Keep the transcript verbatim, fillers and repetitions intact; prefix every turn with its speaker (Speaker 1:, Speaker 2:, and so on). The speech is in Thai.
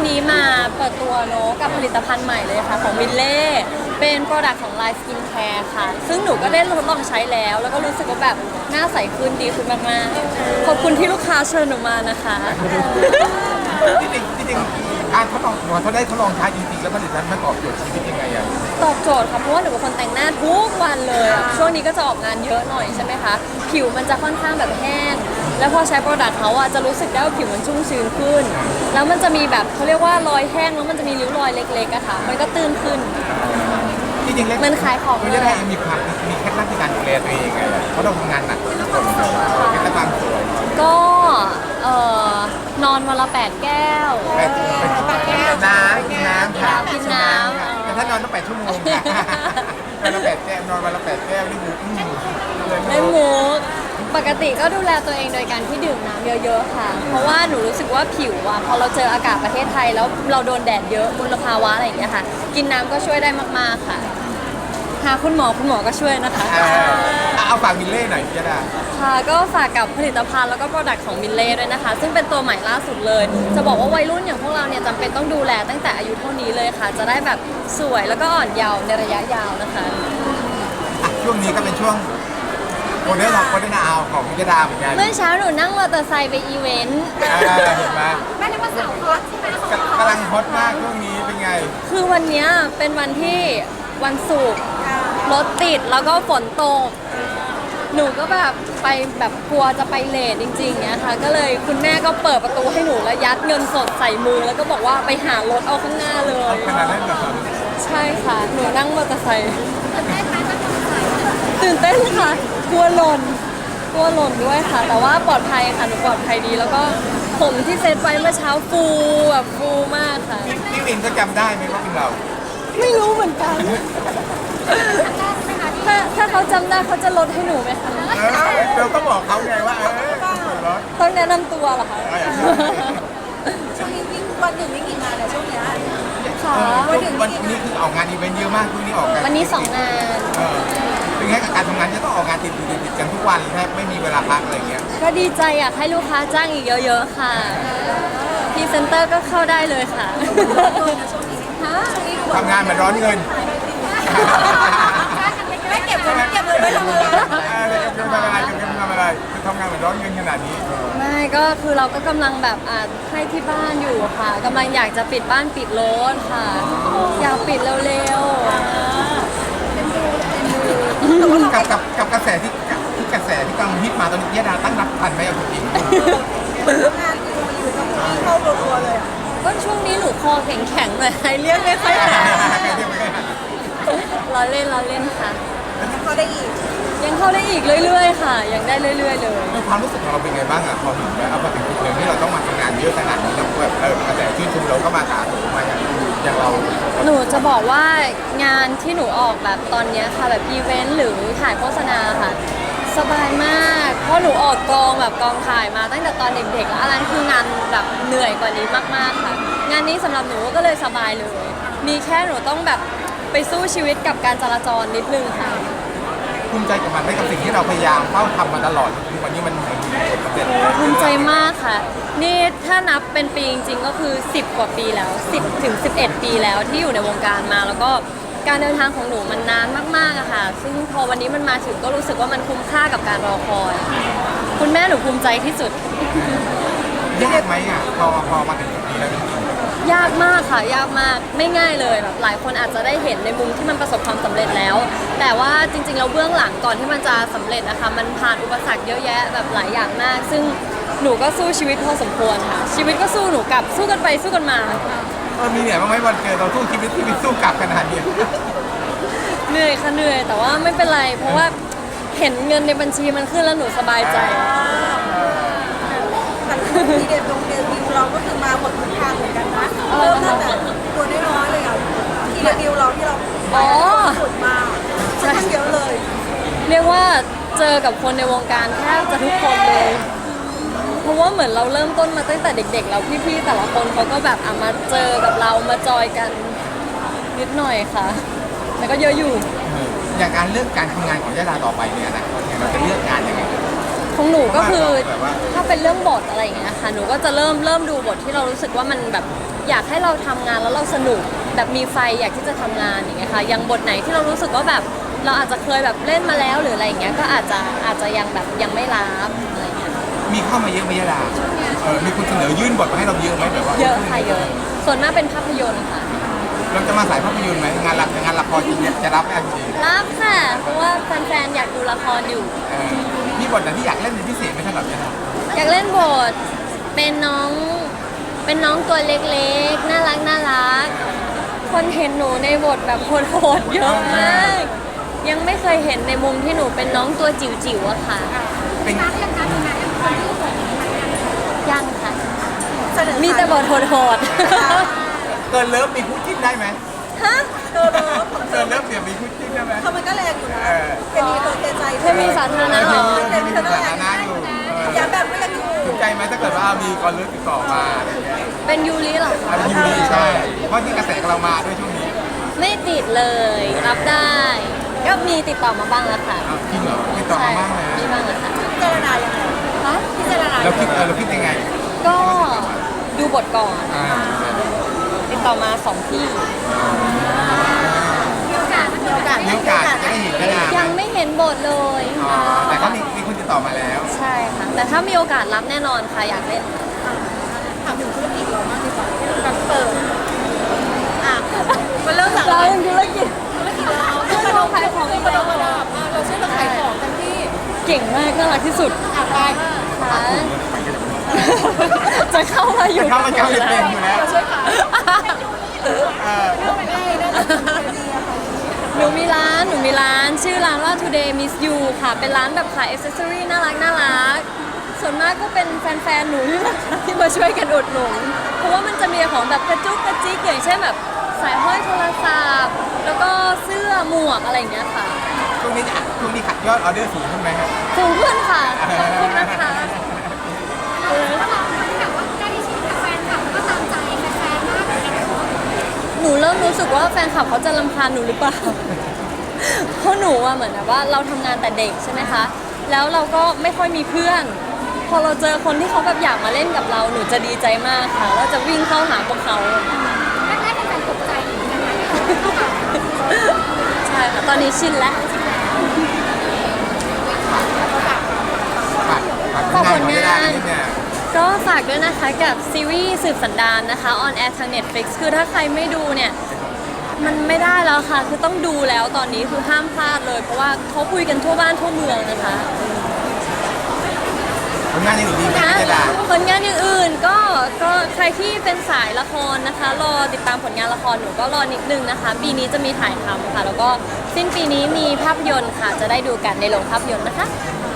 Speaker 1: นี้มาเปิดตัวเนอะกับผลิตภัณฑ์ใหม่เลยค่ะของมิลเล่เป็นโปรดักต์ของ Line Skin Care ค่ะซึ่งหนูก็ได้ทดลองใช้แล้วแล้วก็รู้สึกว่าแบบหน้าใสขึ้นดีขึ้นมากๆขอบคุณที่ลูกค้าเชิญหนูมานะคะ
Speaker 2: จริงๆจริงๆการทดลองพอเขาได้ทดลองใช้จริงๆแล้วผลิตภัณฑ์มันตอบโจทย์ชีวิตยังไงอ่ะ
Speaker 1: ตอบโจทย์ค่ะเพราะว่าหนูเป็นคนแต่งหน้าทุกวันเลยอะช่วงนี้ก็จะออกงานเยอะหน่อยใช่ไหมคะผิวมันจะค่อนข้างแบบแห้งแล้วพอใช้โปรดักต์เขาอะจะรู้สึกได้ว่าผิวมันชุ่มชื้นขึ้นแล้วมันจะมีแบบเขาเรียกว่ารอยแห้งแล้วมันจะมีริ้วรอยเล็กๆอะค่ะมันก็ตื้นขึ้น
Speaker 2: จริงๆแล้ว
Speaker 1: มันขายของ
Speaker 2: มันจะได้มีความมีเคล็ดลับในการดูแลตัวเองไงเพราะเราทำงานหนักทุกคนเคล็ดลับความสวย
Speaker 1: ก็เอ่อนอนวันละแปดแก้ว
Speaker 2: ไปไปกินน้ำกินน้ำค่ะ
Speaker 1: กินน้ำ
Speaker 2: ค่ะแต่ถ้านอนต้องแปดชั่วโมงค่ะวันละแปดแก้วนอนวันละแปดแก้วนี่คืออืมเลย
Speaker 1: ในหมูปกติก็ดูแลตัวเองโดยการที่ดื่มน้ำเยอะๆค่ะ เพราะว่าหนูรู้สึกว่าผิวอะพอเราเจออากาศประเทศไทยแล้วเราโดนแดดเยอะมลภาวะอะไรอย่างเงี้ยค่ะ กินน้ำก็ช่วยได้มากๆค่ะหาคุณหมอคุณหมอก็ช่วยนะคะ
Speaker 2: เออเอาฝากมิลเล่หน่อยจะได้
Speaker 1: ค่ะก็ฝากกับผลิตภัณฑ์แล้วก็โปรดักต์ของมิลเล่ด้วยนะคะ ซึ่งเป็นตัวใหม่ล่าสุดเลย จะบอกว่าวัยรุ่นอย่างพวกเราเนี่ยจำเป็นต้องดูแลตั้งแต่อายุเท่านี้เลยค่ะ จะได้แบบสวยแล้วก็อ่อนเยาว์ในระยะยาวนะคะ
Speaker 2: อ่ะช่วงนี้ก็เป็นช่วงโมเดลของโมเดลนาวของพิจดาเหมือนกัน
Speaker 1: เมื่อเช้าหนูนั่งมอเตอร์ไซค์ไปอีเวนต์
Speaker 2: เออเห็นไหม
Speaker 3: แม่นึกว่าสาวฮอตใช่ไหม
Speaker 2: กำกำลังฮอตมากช่วงนี้เป็นไง
Speaker 1: คือวันเนี้ยเป็นวันที่วันศุกร์รถติดแล้วก็ฝนตก หนูก็แบบไปแบบกลัวจะไปเลทจริงๆเนี้ยค่ะ ก็เลยคุณแม่ก็เปิดประตูให้หนูแล้วยัดเงินสดใส่มือแล้วก็บอกว่าไปหารถเอาข้างหน้าเลย
Speaker 2: ขนาดนั้นเหรอ
Speaker 1: ใช่ค่ะ หนูนั่งมอเตอร์ไซค์ตื่นเต้นค่ะ กลัวหล่น กลัวหล่นด้วยค่ะ แต่ว่าปลอดภัยค่ะ หนูปลอดภัยดี แล้วก็ผมที่เซตไว้เมื่อเช้าฟูแบบฟูมากค่ะ
Speaker 2: พี่วินก็จำได้ไหมว่าเป็นเรา
Speaker 1: ไม่รู้เหมือนกัน ถ้าถ้าเขาจำได้เขาจะลดให้หนูไหมคะ
Speaker 2: เออเราก็บอกเขาไงว่าเออส่วนลด
Speaker 1: ต้องแนะนำตัวเหรอคะ
Speaker 3: ช่วงนี้วิ่งวันหนึ่งวิ่งกี่งานเนี่ยช่วงเนี้ย
Speaker 1: ค่ะ
Speaker 2: วันวันนี้คือออกงานอีเวนต์เยอะมากช่วงนี้ออกงาน
Speaker 1: วันนี้สองงาน
Speaker 2: เออเป็นไงกับการทำงานจะต้องออกงานติดติดติดติดกันทุกวันแทบไม่มีเวลาพักอะไรเงี้ย
Speaker 1: ก็ดีใจอยากให้ลูกค้าจ้างอีกเยอะๆค่ะพรีเซนเตอร์ก็เข้าได้เลยค่ะฮะ
Speaker 2: ทำงานเหมือนร้อนเงิน
Speaker 3: ไม่เก็บเงินเก็บเงินไว้ทำอะไร
Speaker 2: เออเก็บเงินทำอะไรเก็บเงินทำอะไรคือทำงานเหมือนร้อนเงินขนาดนี้
Speaker 1: ไม่ก็คือเราก็กำลังแบบอ่าให้ที่บ้านอยู่ค่ะกำลังอยากจะปิดบ้านปิดรถค่ะ อยากปิดเร็ว
Speaker 2: กับกับกับกระแสที่ที่กระแสที่กำลังฮิตมาตอนนี้ยดาตั้งรับทันไหมเอาจริง
Speaker 3: งานอยู่อยู่ต้องวิ่งเข้ารัวๆเลยอ่ะ
Speaker 1: ๆก็ช่วงนี้หนูคอแข็งๆหน่อยเรียกไม่ค่อยหาล้อเล่นล้อเล่นค่ะ
Speaker 3: เขาได้อีก
Speaker 1: ยังเข้าได้อีกเรื่อยๆค่ะ ยังได้เรื่อยๆเลย
Speaker 2: ความรู้สึกของเราเป็นไงบ้างอะพอถึงเอาพอถึงจุดหนึ่งที่เราต้องมาทำงานเยอะขนาดนี้แล้วแบบเออกระแสชื่นชมเราก็มาถาโถมมาอย่างอย่างเรา
Speaker 1: หนูจะบอกว่างานที่หนูออกแบบตอนเนี้ยค่ะแบบอีเวนต์หรือถ่ายโฆษณาค่ะ สบายมาก เพราะหนูออกกองแบบกองถ่ายมาตั้งแต่ตอนเด็กๆแล้วอันนั้นคืองานแบบเหนื่อยกว่านี้มากๆค่ะ งานนี้สำหรับหนูก็เลยสบายเลย มีแค่หนูต้องแบบไปสู้ชีวิตกับการจราจรนิดนึงค่ะ
Speaker 2: ภูมิใจกับมันได้กับสิ่งที่เราพยายามเฝ้าทำมาตลอดคือวันนี้มันมันมีผลสำเร็จ
Speaker 1: ภูมิใจมากค่ะ นี่ถ้านับเป็นปีจริงๆก็คือสิบกว่าปีแล้วสิบถึงสิบเอ็ดปีแล้วที่อยู่ในวงการมา แล้วก็การเดินทางของหนูมันนานมากๆอะค่ะ ซึ่งพอวันนี้มันมาถึงก็รู้สึกว่ามันคุ้มค่ากับการรอคอย คุณแม่หนูภูมิใจที่สุด
Speaker 2: ยากไหมอะพอพอมาถึงจุดนี้แล้วจริง
Speaker 1: ยากมากค่ะ ยากมากไม่ง่ายเลยแบบหลายคนอาจจะได้เห็นในมุมที่มันประสบความสำเร็จแล้ว แต่ว่าจริงๆแล้วเบื้องหลังก่อนที่มันจะสำเร็จนะคะมันผ่านอุปสรรคเยอะแยะแบบหลายอย่างมาก ซึ่งหนูก็สู้ชีวิตพอสมควรค่ะ ชีวิตก็สู้หนูกลับสู้กันไปสู้กันมา
Speaker 2: ๆเออมีเหนื่อยบ้างไหมวันเกิดเราสู้ชีวิตที่มีสู้กลับขนาดนี้
Speaker 1: เหนื่อยค่ะเหนื่อยแต่ว่าไม่เป็นไร เพราะว่าเห็นเงินในบัญชีมันขึ้นแล้วหนูสบายใจ
Speaker 3: แต่ทีเด็ดตรงเดบิวเราก็คือมาหมดทุกทางเหมือนกันนะเริ่มตั้งแต่ตัวน้อยๆเลยอ่ะทีเดบิวเราที่เราไปสุดมาใช่เยอะเลย
Speaker 1: เรียกว่าเจอกับคนในวงการแทบจะทุกคนเลย เพราะว่าเหมือนเราเริ่มต้นมาตั้งแต่เด็กๆแล้วพี่ๆแต่ละคนเขาก็แบบอ่ะมาเจอกับเรามาจอยกันนิดหน่อยค่ะแต่ก็เยอะอยู่
Speaker 2: อย่างการเลือกการทำงานของยดาต่อไปเนี่ยนะเราจะเลือกงานยังไง
Speaker 1: ของหนูก็คือ
Speaker 2: แบบว่า
Speaker 1: ถ้าเป็นเรื่องบทอะไรอย่างเงี้ยค่ะหนูก็จะเริ่มเริ่มดูบทที่เรารู้สึกว่ามันแบบอยากให้เราทำงานแล้วเราสนุกแบบมีไฟอยากที่จะทำงานอย่างเงี้ยค่ะอย่างบทไหนที่เรารู้สึกว่าแบบเราอาจจะเคยแบบเล่นมาแล้วหรืออะไรอย่างเงี้ยก็อาจจะอาจจะยังแบบยังไม่รับอะไรเงี้ย
Speaker 2: มีเข้ามาเยอะไหมยะดาเออมีคนเสนอยื่นบทมาให้เราเยอะไหมแบบว่า
Speaker 1: เยอะค่ะเยอะส่วนมากเป็นภาพยนตร์ค่ะ
Speaker 2: เราจะมาสายภาพยนตร์ไหมงานละงานละครจริงๆจะรับไหมจริง
Speaker 1: รับค่ะ เพราะว่าแฟนๆอยากดูละครอยู่
Speaker 2: ๆเออมีบทไหนที่อยากเล่นเป็นพิเศษไหมสำหรับยะดา
Speaker 1: อยากเล่นบทเป็นน้องเป็นน้องตัวเล็กๆน่ารักน่ารักคนเห็นหนูในบทแบบโหดๆเยอะมาก ยังไม่เคยเห็นในมุมที่หนูเป็นน้องตัวจิ๋วๆอะค่ะ
Speaker 2: เป็น
Speaker 1: ยังค่ะ
Speaker 3: เสนอ
Speaker 1: มีแต่บทโหด
Speaker 2: เกินเลิฟมีคู่จิ้นได้ไหม
Speaker 1: ๆ ฮะ
Speaker 3: เออเลิฟ
Speaker 2: เกินเลิฟเดี๋ยวมีคู่จิ้นได้ไหม
Speaker 3: เขามันก็แรงอยู่นะ
Speaker 2: เออ
Speaker 3: เคมีตัวเทใจ
Speaker 1: เคมีสาธารณะเหรอ
Speaker 3: เคมีตัว
Speaker 2: สา
Speaker 3: แร
Speaker 2: ธาง รณะอยู่เออ
Speaker 3: อย่าแบบก็ยังอยู่
Speaker 2: สนใจไหมถ้าเกิดว่ามีกอลเลิฟติดต่อมาอะไรอย่างเงี้ย
Speaker 1: เป็นยูริเหรอคะ
Speaker 2: อันนี้ยูรีใช่เพราะที่กระแสกับเรามาด้วยช่วงนี้
Speaker 1: ไม่ติดเลย รับได้ ก็มีติดต่อมาบ้างแล้วค่ะ
Speaker 2: อ้าวจริงเหรอติดต่อ
Speaker 1: ใช่
Speaker 2: มาบ้างนะ
Speaker 1: มีบ้างแล้วค่ะ
Speaker 3: พิจารณายังไง
Speaker 1: คะ
Speaker 3: พิจารณา
Speaker 2: เราคิดเออเราคิดยังไง
Speaker 1: ก็ดูบทก่อน
Speaker 2: อ่า
Speaker 1: ติดต่อมาสองที่
Speaker 3: มีโอกาสมีโอกาส
Speaker 2: มีโอกาสจะได้เห็นยะดาไหม
Speaker 1: ยังไม่เห็นบทเลย
Speaker 2: อ๋อแต่ก็มีมีคนติดต่อมาแล้ว
Speaker 1: ใช่ค่ะ แต่ถ้ามีโอกาสรับแน่นอนค่ะ อยากเล่น
Speaker 3: ถามถึงธุรกิจเรามากดีกว่าแบบเปิดอ่ะมันเริ่มจาก
Speaker 1: เรา
Speaker 3: อะไร
Speaker 1: ธุรกิจ
Speaker 3: ธุรกิจเราช่วยเราขายของอีกแล้วมาดับเราช่วยเราขายของกันที่
Speaker 1: เก่งมากน่ารักที่สุด
Speaker 3: อ่ะไป
Speaker 1: ค่ะจะเข้ามาอยู่
Speaker 2: จะเข้ามาเจ้าเต็มอยู่แล้ว
Speaker 3: เราช่วยขาย
Speaker 2: เออ
Speaker 3: เรื่องไม่ได้เรื่องดีอะค่ะ
Speaker 1: หนูมีร้าน หนูมีร้าน ชื่อร้านว่า Today Miss You ค่ะ เป็นร้านแบบขายอ c เซสซอรี่น่ารักน่ารัก ส่วนมากก็เป็นแฟนๆ หนูนี่แหละค่ะที่มาช่วยกันอุดหนุน เพราะว่ามันจะมีของแบบกระจุกกระจิกอย่างเช่นแบบสายห้อยโทรศัพท์ แล้วก็เสื้อหมวกอะไรอย่างเงี้ยค่ะ
Speaker 2: ช่วงนี้จะช่วงนี้ขัดยอดออเดอร์สูงขึ้นไหมครับ
Speaker 1: สูงขึ้นค่ะ ขอบคุณนะคะ หนูเริ่มรู้สึกว่าแฟนคลับเขาจะรำคาญหนูหรือเปล่า เพราะหนูอะเหมือนแบบว่าเราทำงานแต่เด็กใช่ไหมคะ แล้วเราก็ไม่ค่อยมีเพื่อน พอเราเจอคนที่เขาแบบอยากมาเล่นกับเรา หนูจะดีใจมากค่ะ แล้วจะวิ่งเข้าหาพวกเขา ใช่ค่ะ ตอนนี้ชินแล้ว
Speaker 2: ฝากฝาก
Speaker 1: ฝากผล
Speaker 2: ของยะ
Speaker 1: งา
Speaker 2: ดาน นิดเนี่ย
Speaker 1: ก็ฝากด้วยนะคะกับซีรีส์สืบสันดานนะคะออนแอร์ทาง Netflix คือถ้าใครไม่ดูเนี่ย มันไม่ได้แล้วค่ะ คือต้องดูแล้วตอนนี้คือห้ามพลาดเลย เพราะว่าเขาคุยกันทั่วบ้านทั่วเมืองนะคะ
Speaker 2: ผลงานยังดีไหม
Speaker 1: นะ
Speaker 2: ยะดา
Speaker 1: ผลงานอย่างอื่นก็ก็ใครที่เป็นสายละครนะคะ รอติดตามผลงานละครหนูก็รอนิดนึงนะคะ ปีนี้จะมีถ่ายทำค่ะ แล้วก็สิ้นปีนี้มีภาพยนตร์ค่ะ จะได้ดูกันในโรงภาพยนตร์นะคะ
Speaker 2: อ